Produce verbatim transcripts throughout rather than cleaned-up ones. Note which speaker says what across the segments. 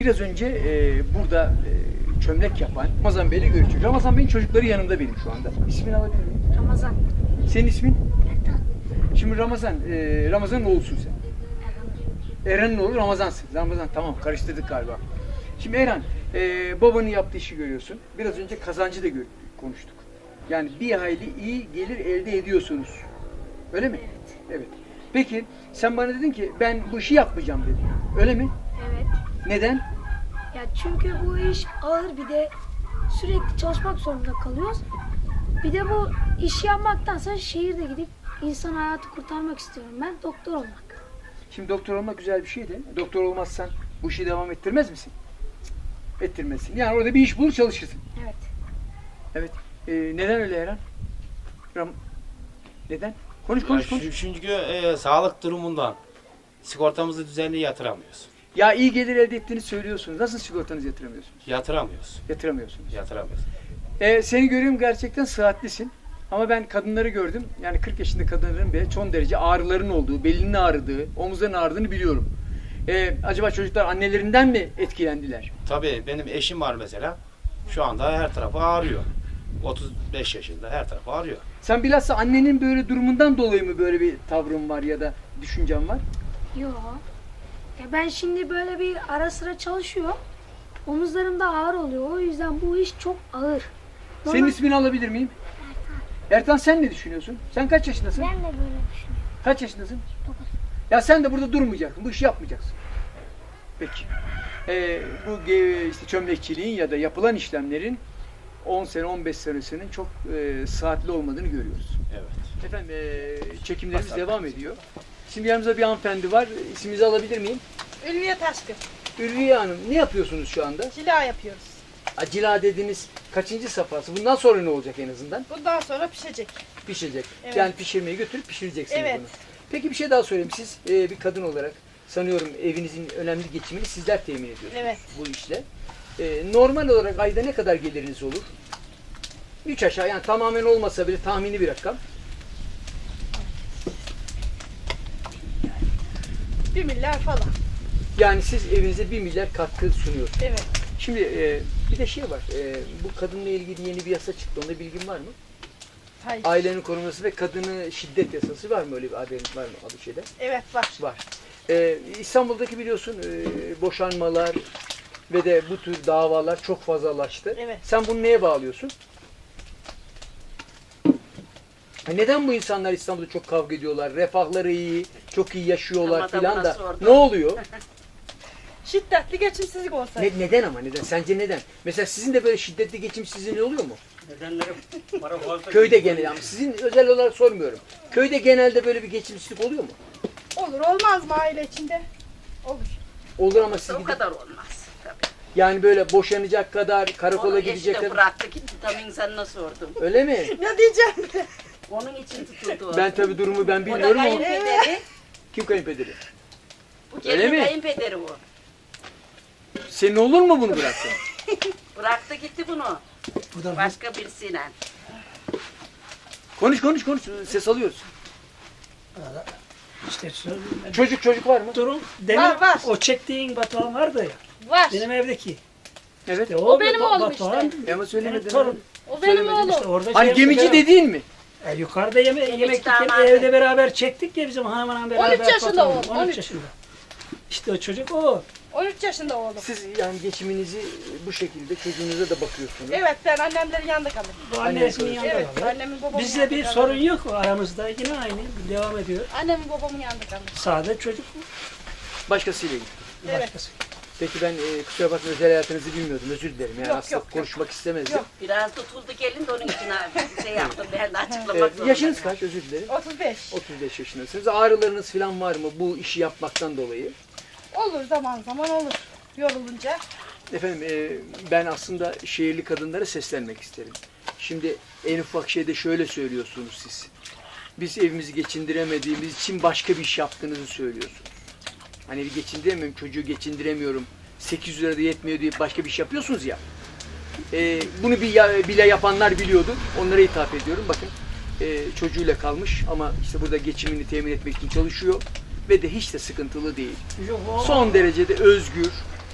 Speaker 1: biraz önce e, burada e, çömlek yapan Ramazan Bey'le görüştük. Ramazan Bey'in çocukları yanımda benim şu anda. İsmini alabilir miyim?
Speaker 2: Ramazan.
Speaker 1: Senin ismin?
Speaker 2: Ertan.
Speaker 1: Şimdi Ramazan, e, Ramazan'ın oğlusun sen. Eren'in oğlu Ramazan'sın. Ramazan tamam, karıştırdık galiba. Şimdi Eren, e, babanın yaptığı işi görüyorsun. Biraz önce kazancı da gör- konuştuk. Yani bir hayli iyi gelir elde ediyorsunuz. Öyle mi?
Speaker 2: Evet.
Speaker 1: Evet. Peki sen bana dedin ki ben bu işi yapmayacağım dedin. Öyle mi?
Speaker 2: Evet.
Speaker 1: Neden?
Speaker 2: Ya çünkü bu iş ağır, bir de sürekli çalışmak zorunda kalıyoruz. Bir de bu işi yapmaktansa şehirde gidip insan hayatı kurtarmak istiyorum. Ben doktor olmak.
Speaker 1: Şimdi doktor olmak güzel bir şey de. Doktor olmazsan bu işi devam ettirmez misin? Cık, ettirmezsin. Yani orada bir iş bulur çalışırsın.
Speaker 2: Evet.
Speaker 1: Evet. Ee, neden öyle Eren? Ram neden? Konuş
Speaker 3: Ya
Speaker 1: konuş konuş.
Speaker 3: şu- çünkü e, sağlık durumundan sigortamızı düzenli yatıramıyoruz.
Speaker 1: Ya iyi gelir elde ettiğini söylüyorsunuz. Nasıl sigortanızı yatıramıyorsunuz?
Speaker 3: Yatıramıyoruz.
Speaker 1: Yatıramıyorsunuz.
Speaker 3: Yatıramıyoruz.
Speaker 1: Ee, seni görüyorum, gerçekten sıhhatlisin. Ama ben kadınları gördüm. Yani kırk yaşında kadınların bile son derece ağrıların olduğu, belinin ağrıdığı, omuzların ağrıdığını biliyorum. Ee, acaba çocuklar annelerinden mi etkilendiler?
Speaker 3: Tabii benim eşim var mesela. Şu anda her tarafı ağrıyor. otuz beş yaşında her tarafı ağrıyor.
Speaker 1: Sen bilhassa annenin böyle durumundan dolayı mı böyle bir tavrın var ya da düşüncen var?
Speaker 2: Yok. Ya ben şimdi böyle bir ara sıra çalışıyor. Omuzlarım da ağır oluyor. O yüzden bu iş çok ağır.
Speaker 1: Senin
Speaker 2: Normal-
Speaker 1: ismini alabilir miyim? Ertan, sen ne düşünüyorsun? Sen kaç yaşındasın?
Speaker 2: Ben de böyle düşünüyorum.
Speaker 1: Kaç yaşındasın?
Speaker 2: Dokuz.
Speaker 1: Ya sen de burada durmayacaksın. Bu işi yapmayacaksın. Peki. Ee, bu ge- işte çömlekçiliğin ya da yapılan işlemlerin on sene on beş senesinin çok e, saatli olmadığını görüyoruz.
Speaker 3: Evet.
Speaker 1: Efendim e, çekimlerimiz
Speaker 3: Basalım.
Speaker 1: devam ediyor. Şimdi yanımızda bir hanımefendi var. İsminizi alabilir miyim?
Speaker 4: Ülviye Taşkın.
Speaker 1: Ülviye Hanım, ne yapıyorsunuz şu anda?
Speaker 4: Cila yapıyoruz.
Speaker 1: Acila dediğiniz kaçıncı safhası? Bundan sonra ne olacak en azından?
Speaker 4: Bundan sonra pişecek.
Speaker 1: Pişecek.
Speaker 4: Evet.
Speaker 1: Yani pişirmeyi götürüp pişireceksiniz
Speaker 4: Evet.
Speaker 1: bunu. Peki bir şey daha söyleyeyim. Siz e, bir kadın olarak sanıyorum evinizin önemli geçimini sizler temin ediyorsunuz
Speaker 4: Evet.
Speaker 1: bu işle. E, normal olarak ayda ne kadar geliriniz olur? Üç aşağı, yani tamamen olmasa bile tahmini bir rakam.
Speaker 4: Bir milyar falan.
Speaker 1: Yani siz evinize bir milyar katkı sunuyorsunuz.
Speaker 4: Evet.
Speaker 1: Şimdi e, bir de şey var. E, bu kadınla ilgili yeni bir yasa çıktı. Onda bilgin var mı?
Speaker 4: Hayır.
Speaker 1: Ailenin korunması ve kadını şiddet yasası var mı? Öyle bir haberiniz var mı adı şeyde?
Speaker 4: Evet var.
Speaker 1: Var. Ee, İstanbul'daki biliyorsun e, boşanmalar ve de bu tür davalar çok fazlalaştı.
Speaker 4: Evet.
Speaker 1: Sen bunu neye bağlıyorsun? Ha, neden bu insanlar İstanbul'da çok kavga ediyorlar? Refahları iyi, çok iyi yaşıyorlar
Speaker 5: Ama da
Speaker 1: filan
Speaker 5: buna
Speaker 1: da.
Speaker 5: sordum.
Speaker 1: Ne oluyor?
Speaker 4: Şiddetli geçimsizlik olsaydı.
Speaker 1: Ne, neden ama neden? Sence neden? Mesela sizin de böyle şiddetli geçimsizliğiniz oluyor mu?
Speaker 5: Nedenleri para fazla.
Speaker 1: Köyde genel ama sizin özel olarak sormuyorum. Köyde genelde böyle bir geçimsizlik oluyor mu?
Speaker 4: Olur olmaz mı aile içinde? Olur.
Speaker 1: Olur ama siz
Speaker 5: O
Speaker 1: gidip,
Speaker 5: kadar olmaz. Tabii.
Speaker 1: yani böyle boşanacak kadar, karakola
Speaker 5: Onu
Speaker 1: gidecek
Speaker 5: eşi de
Speaker 1: kadar.
Speaker 5: bıraktı gitti. Tam insanına sordum.
Speaker 1: Öyle mi?
Speaker 4: Ne diyeceğim?
Speaker 5: Onun için tutuldu o.
Speaker 1: Ben tabii durumu ben
Speaker 5: O da
Speaker 1: bilmiyorum ama
Speaker 5: kayınpederi.
Speaker 1: kim kayınpederi?
Speaker 5: Bu
Speaker 1: Öyle
Speaker 5: gelin
Speaker 1: mi?
Speaker 5: kayınpederi bu.
Speaker 1: Senin olur mu bunu bıraksın?
Speaker 5: Bıraktı gitti bunu. Başka birisiyle.
Speaker 1: Konuş konuş konuş, ses alıyoruz.
Speaker 6: İşte söyleyeyim.
Speaker 1: Çocuk çocuk var mı?
Speaker 6: Durum demin
Speaker 4: Var, var.
Speaker 6: o çektiğin Batuhan vardı ya.
Speaker 4: Var.
Speaker 6: Benim evdeki.
Speaker 1: Evet.
Speaker 6: İşte
Speaker 4: O benim
Speaker 6: Ba-
Speaker 4: oğlum
Speaker 6: Batuhan,
Speaker 1: E ama söylemedin.
Speaker 6: torun.
Speaker 4: O benim oğlum.
Speaker 6: İşte orada
Speaker 1: Hani
Speaker 6: şey
Speaker 1: gemici
Speaker 6: yaptık,
Speaker 1: dediğin mi?
Speaker 6: E, yukarıda yeme
Speaker 5: Gemici
Speaker 6: yemek
Speaker 5: damadı.
Speaker 6: evde beraber çektik ya bizim hanımla beraber.
Speaker 4: on üç yaşında
Speaker 6: Batuhan,
Speaker 4: oğlum,
Speaker 6: on
Speaker 4: on
Speaker 6: üç
Speaker 4: üç.
Speaker 6: yaşında. İşte o çocuk o.
Speaker 4: on üç yaşında oğlum.
Speaker 1: Siz yani geçiminizi bu şekilde çocuğunuza da bakıyorsunuz.
Speaker 4: Evet ben annemlerin yanında kalırım.
Speaker 6: Bu
Speaker 1: Anne
Speaker 6: annesinin
Speaker 1: yapıyor.
Speaker 6: yanında
Speaker 4: Evet
Speaker 6: kalır.
Speaker 4: annemin babamın
Speaker 6: Bizde
Speaker 4: yanında
Speaker 6: bir
Speaker 4: kalırım.
Speaker 6: sorun yok aramızda. Yine aynı devam ediyor.
Speaker 4: Annemin babamın yanında kalırım.
Speaker 6: Sade çocuk bu.
Speaker 1: Başkasıyla ilgili.
Speaker 4: Evet.
Speaker 6: Başkası.
Speaker 1: Peki ben e, kusura bakma özel hayatınızı bilmiyordum. Özür dilerim. Yani
Speaker 4: Yok,
Speaker 1: aslında
Speaker 4: yok, yok.
Speaker 1: konuşmak istemezdim.
Speaker 4: Yok.
Speaker 5: Biraz tutuldu gelin de onun için abi şey yaptım. Ben de
Speaker 1: E,
Speaker 5: açıklamak zorundayım.
Speaker 1: yaşınız kaç? Özür dilerim.
Speaker 4: otuz beş.
Speaker 1: otuz beş yaşındasınız. Ağrılarınız falan var mı bu işi yapmaktan dolayı?
Speaker 4: Olur zaman zaman olur. Yorulunca.
Speaker 1: Efendim e, ben aslında şehirli kadınlara seslenmek isterim. Şimdi en ufak şeyde şöyle söylüyorsunuz siz. Biz evimizi geçindiremediğimiz için başka bir iş yaptığınızı söylüyorsunuz. Hani bir geçindiremiyorum, çocuğu geçindiremiyorum, sekiz yüz lira da yetmiyor diye başka bir iş yapıyorsunuz ya. E, bunu bir ya- bile yapanlar biliyordu. Onlara hitap ediyorum. Bakın e, çocuğuyla kalmış ama işte burada geçimini temin etmek için çalışıyor ve de hiç de sıkıntılı değil.
Speaker 6: Yok, o-
Speaker 1: Son derecede özgür,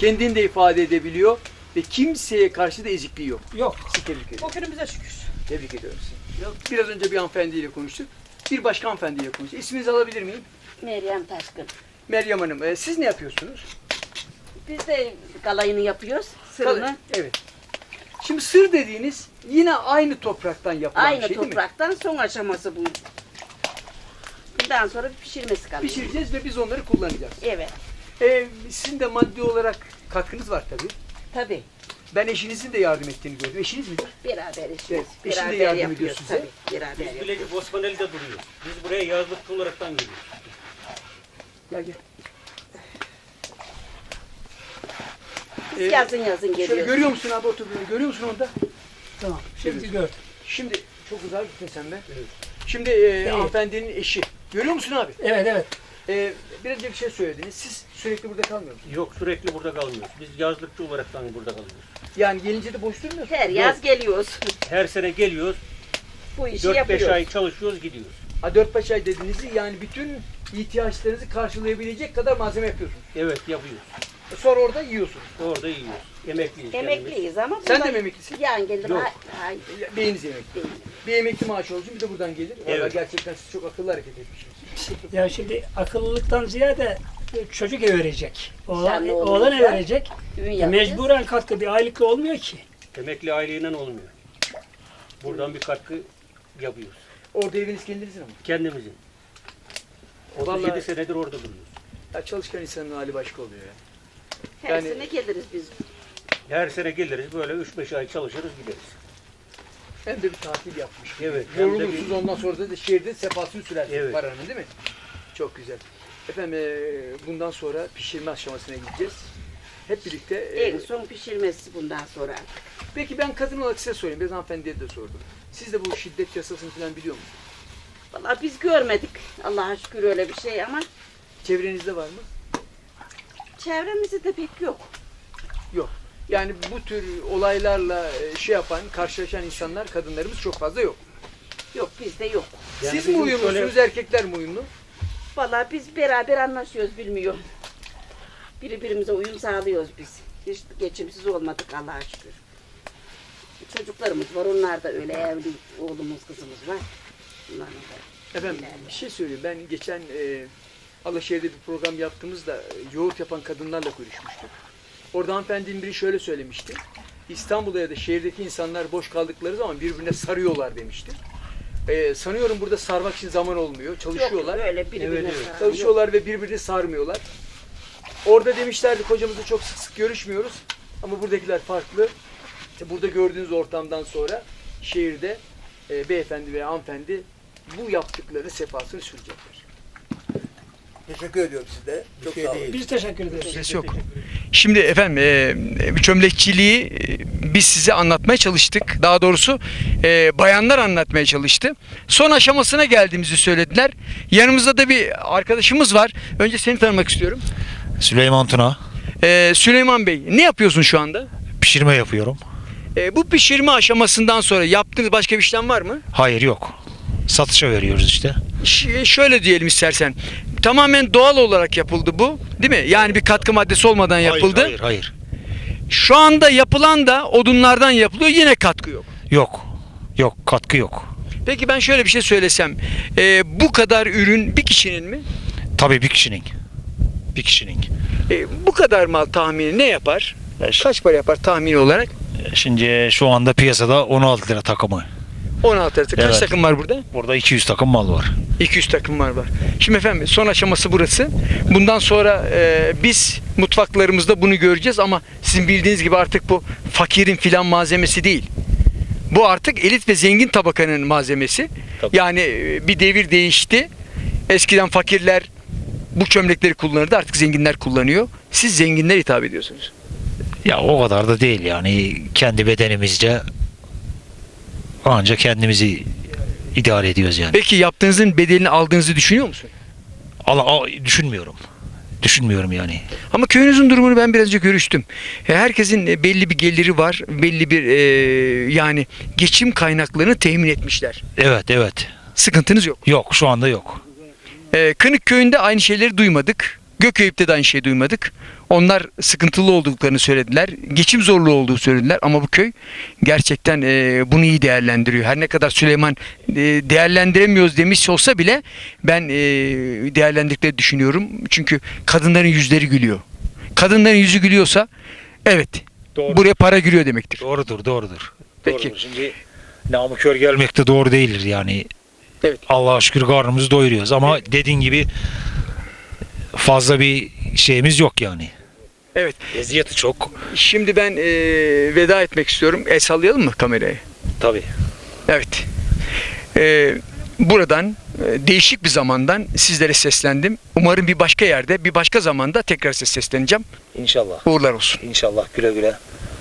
Speaker 1: kendini de ifade edebiliyor ve kimseye karşı da ezikliği yok.
Speaker 6: Yok.
Speaker 1: Sizi tebrik ediyorum.
Speaker 4: O günümüze şükür.
Speaker 1: Tebrik ediyorum sizi. Yok. Biraz önce bir hanımefendiyle konuştuk. Bir başka hanımefendiyle konuştuk. İsminizi alabilir miyim?
Speaker 5: Meryem Taşkın.
Speaker 1: Meryem Hanım. e, siz ne yapıyorsunuz?
Speaker 5: Biz de kalayını yapıyoruz. Sırını.
Speaker 1: Evet. Şimdi sır dediğiniz yine aynı topraktan yapılan
Speaker 5: Aynı
Speaker 1: bir şey değil mi?
Speaker 5: topraktan son aşaması bu. Bundan sonra pişirmesi kalıyor.
Speaker 1: Pişireceğiz ve biz onları kullanacağız.
Speaker 5: Evet.
Speaker 1: E, sizin de maddi olarak katkınız var tabii.
Speaker 5: Tabii.
Speaker 1: Ben eşinizin de yardım ettiğini gördüm. Eşiniz midir?
Speaker 5: Beraber işimiz.
Speaker 1: Evet, eşin de
Speaker 5: Beraber
Speaker 1: yardım ediyor
Speaker 5: yapıyoruz
Speaker 1: size.
Speaker 5: tabii. Beraber
Speaker 6: Biz
Speaker 5: yapıyoruz.
Speaker 6: Bilecik Osmanlı'da duruyoruz. Biz buraya yazlıklı olaraktan geliyoruz.
Speaker 1: Gel gel.
Speaker 5: Biz
Speaker 1: Ee,
Speaker 5: yazın yazın
Speaker 1: Şöyle
Speaker 5: geliyoruz.
Speaker 1: görüyor musun abi oturduğunu? Görüyor musun onda?
Speaker 6: Tamam. Şimdi
Speaker 1: Evet.
Speaker 6: gör.
Speaker 1: Şimdi çok güzel gittin sen be. Şimdi e,
Speaker 6: Evet.
Speaker 1: hanımefendinin eşi. Görüyor musun abi?
Speaker 6: Evet evet.
Speaker 1: E, biraz önce bir şey söylediniz. Siz sürekli burada kalmıyor musunuz?
Speaker 7: Yok, sürekli burada kalmıyoruz. Biz yazlıkçı olaraktan burada kalıyoruz.
Speaker 1: Yani gelince de boş durmuyorsunuz.
Speaker 5: Her yaz geliyoruz.
Speaker 7: Her sene geliyoruz,
Speaker 5: Bu işi
Speaker 7: dört beş
Speaker 5: yapıyoruz.
Speaker 7: ay çalışıyoruz, gidiyoruz.
Speaker 1: Ha, dört beş ay dediğinizi yani bütün ihtiyaçlarınızı karşılayabilecek kadar malzeme yapıyorsunuz.
Speaker 7: Evet, yapıyoruz.
Speaker 1: E, sonra orada yiyorsunuz.
Speaker 7: Orada yiyoruz. Emekliyiz kendimiz.
Speaker 5: Emekliyiz ama
Speaker 1: Sen
Speaker 5: bundan-
Speaker 1: de mi emeklisin?
Speaker 5: Yani gelir.
Speaker 7: Yok.
Speaker 5: Hay, hay,
Speaker 1: Ya, Beyiniz emekli.
Speaker 5: değil.
Speaker 1: Bir emekli maaşı olsun bir de buradan gelir. Vallahi
Speaker 7: Evet.
Speaker 1: gerçekten siz çok akıllı hareket etmişsiniz.
Speaker 6: Ya şimdi akıllılıktan ziyade çocuk ev verecek. Oğlan,
Speaker 5: Sen oğlum
Speaker 6: oğlan ev
Speaker 5: olsa
Speaker 6: verecek.
Speaker 5: Düğün
Speaker 6: Ya
Speaker 5: yapacağız.
Speaker 6: mecburen katkı bir aylıklı olmuyor ki.
Speaker 7: Emekli aileyle olmuyor. Buradan bir katkı yapıyoruz.
Speaker 1: Orada eviniz kendinizin ama.
Speaker 7: Kendimizin. otuz
Speaker 1: Vallahi-
Speaker 7: yedi senedir orada duruyoruz.
Speaker 1: Ya çalışkan insanın hali başka oluyor ya.
Speaker 5: Her
Speaker 1: Yani-
Speaker 5: sene geliriz biz.
Speaker 7: Her sene geliriz, böyle üç beş ay çalışırız, gideriz.
Speaker 1: Hem de bir tatil yapmış.
Speaker 7: Evet, hem de
Speaker 1: Yorulursunuz
Speaker 7: bir-
Speaker 1: ondan sonra da şehirde sefasını sürersiniz
Speaker 7: Evet.
Speaker 1: paranın değil mi? Çok güzel. Efendim eee, bundan sonra pişirme aşamasına gideceğiz. Hep birlikte. eee,
Speaker 5: En son pişirmesi bundan sonra.
Speaker 1: Peki ben kadın olarak size sorayım. Biraz hanımefendiye de sordum. Siz de bu şiddet yasasını falan biliyor musunuz?
Speaker 5: Vallahi biz görmedik. Allah'a şükür öyle bir şey ama
Speaker 1: Çevrenizde var mı?
Speaker 5: çevremizde de pek yok.
Speaker 1: Yok. Yani bu tür olaylarla e, şey yapan, karşılaşan insanlar, kadınlarımız çok fazla yok.
Speaker 5: Yok bizde yok.
Speaker 7: Yani
Speaker 1: Siz mi
Speaker 7: bizim
Speaker 1: uyumlusunuz,
Speaker 7: şöyle-
Speaker 1: erkekler mi uyumlu?
Speaker 5: Vallahi biz beraber anlaşıyoruz bilmiyorum. Birbirimize uyum sağlıyoruz biz. Hiç geçimsiz olmadık Allah'a şükür. Çocuklarımız var, onlar da öyle evli oğlumuz, kızımız var. Bunların da
Speaker 1: Efendim bir şey söyleyeyim. Ben geçen e, Alaşehir'de bir program yaptığımızda e, yoğurt yapan kadınlarla görüşmüştük. Orada hanımefendinin biri şöyle söylemişti. İstanbul'da ya da şehirdeki insanlar boş kaldıkları zaman birbirine sarıyorlar demişti. E, sanıyorum burada sarmak için zaman olmuyor. Çalışıyorlar.
Speaker 5: Yok öyle birbirine
Speaker 7: Evet, evet.
Speaker 5: saran yok.
Speaker 1: Çalışıyorlar ve birbirini sarmıyorlar. Orada demişlerdi kocamızla çok sık sık görüşmüyoruz. Ama buradakiler farklı. İşte burada gördüğünüz ortamdan sonra şehirde e, beyefendi ve hanımefendi bu yaptıkları sefasını sürecekler. Teşekkür ediyorum size. Çok
Speaker 7: şey
Speaker 1: sağ olun.
Speaker 7: değil.
Speaker 6: Biz teşekkür ederiz.
Speaker 1: Ses yok. Şimdi efendim e, çömlekçiliği e, biz size anlatmaya çalıştık. Daha doğrusu e, bayanlar anlatmaya çalıştı. Son aşamasına geldiğimizi söylediler. Yanımızda da bir arkadaşımız var. Önce seni tanımak istiyorum.
Speaker 8: Süleyman Tuna.
Speaker 1: E, Süleyman Bey ne yapıyorsun şu anda?
Speaker 8: Pişirme yapıyorum.
Speaker 1: E, bu pişirme aşamasından sonra yaptığınız başka bir işlem var mı?
Speaker 8: Hayır yok. Satışa veriyoruz işte.
Speaker 1: Ş- şöyle diyelim istersen. Tamamen doğal olarak yapıldı bu. Değil mi? Yani bir katkı maddesi olmadan yapıldı.
Speaker 8: Hayır, hayır, hayır.
Speaker 1: Şu anda yapılan da odunlardan yapılıyor. Yine katkı yok.
Speaker 8: Yok. Yok, katkı yok.
Speaker 1: Peki ben şöyle bir şey söylesem. e, bu kadar ürün bir kişinin mi?
Speaker 8: Tabii bir kişinin. Bir kişinin.
Speaker 1: E, bu kadar mal tahmini ne yapar?
Speaker 8: Beş.
Speaker 1: Kaç para yapar tahmini olarak?
Speaker 8: Şimdi şu anda piyasada on altı lira takımı.
Speaker 1: on altı lira. Kaç
Speaker 8: Evet.
Speaker 1: takım var burada?
Speaker 8: Burada iki yüz takım mal var.
Speaker 1: iki yüz takım var var. Şimdi efendim son aşaması burası. Bundan sonra e, biz mutfaklarımızda bunu göreceğiz ama sizin bildiğiniz gibi artık bu fakirin filan malzemesi değil. Bu artık elit ve zengin tabakanın malzemesi.
Speaker 8: Tabii.
Speaker 1: Yani e, bir devir değişti. Eskiden fakirler bu çömlekleri kullanırdı. Artık zenginler kullanıyor. Siz zenginler hitap ediyorsunuz.
Speaker 8: Ya o kadar da değil yani. Kendi bedenimizce ancak kendimizi idare ediyoruz yani.
Speaker 1: Peki yaptığınızın bedelini aldığınızı düşünüyor musun?
Speaker 8: Al, al, düşünmüyorum. Düşünmüyorum yani.
Speaker 1: Ama köyünüzün durumunu ben biraz önce görüştüm. E, Herkesin e, belli bir geliri var. Belli bir e, yani geçim kaynaklarını temin etmişler.
Speaker 8: Evet, evet.
Speaker 1: Sıkıntınız yok.
Speaker 8: Yok, şu anda yok.
Speaker 1: E, Kınık köyünde aynı şeyleri duymadık. Gökeyip'te de aynı şeyi duymadık. Onlar sıkıntılı olduklarını söylediler. Geçim zorluğu olduğu söylediler. Ama bu köy gerçekten e, bunu iyi değerlendiriyor. Her ne kadar Süleyman e, değerlendiremiyoruz demiş olsa bile ben e, değerlendirdiklerini düşünüyorum. Çünkü kadınların yüzleri gülüyor. Kadınların yüzü gülüyorsa evet
Speaker 8: Doğru.
Speaker 1: buraya para giriyor demektir.
Speaker 8: Doğrudur, doğrudur.
Speaker 1: Peki.
Speaker 8: Doğrudur. Şimdi namı gelmek de doğru değildir yani.
Speaker 1: Evet.
Speaker 8: Allah'a şükür karnımızı doyuruyoruz ama dediğin gibi fazla bir şeyimiz yok yani.
Speaker 1: Evet.
Speaker 8: Eziyeti çok.
Speaker 1: Şimdi ben e, veda etmek istiyorum. El sallayalım mı kameraya?
Speaker 8: Tabii.
Speaker 1: Evet. Ee, buradan e, değişik bir zamandan sizlere seslendim. Umarım bir başka yerde, bir başka zamanda tekrar size sesleneceğim.
Speaker 8: İnşallah.
Speaker 1: Uğurlar olsun.
Speaker 8: İnşallah güle güle.